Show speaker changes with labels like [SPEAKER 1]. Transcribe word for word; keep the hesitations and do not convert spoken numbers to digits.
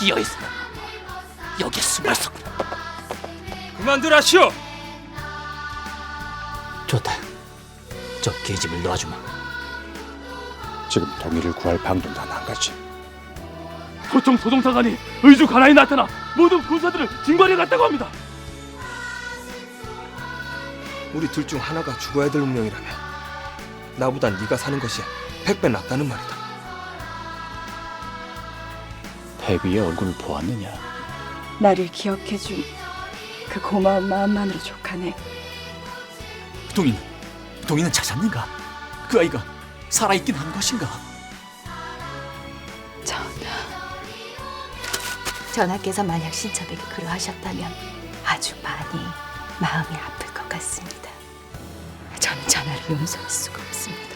[SPEAKER 1] 비어있어. 여기 숨어있어.
[SPEAKER 2] 그만들 하시오.
[SPEAKER 1] 좋다. 저 계집을 놓아주마.
[SPEAKER 3] 지금 동의를 구할 방도는 한 가지.
[SPEAKER 2] 소총 소동사관이 의주 가나에 나타나 모든 군사들을 징발해 갔다고 합니다.
[SPEAKER 4] 우리 둘 중 하나가 죽어야 될 운명이라면 나보단 네가 사는 것이 백 배 낫다는 말이다.
[SPEAKER 3] 태비의 얼굴을 보았느냐?
[SPEAKER 5] 나를 기억해준 그 고마운 마음만으로 족하네.
[SPEAKER 1] 동인, 동인은 찾았는가? 그 아이가 살아있긴 한 것인가?
[SPEAKER 5] 전하,
[SPEAKER 6] 전하께서 만약 신첩에게 그러하셨다면 아주 많이 마음이 아플 것 같습니다. 저는 전하를 용서할 수가 없습니다.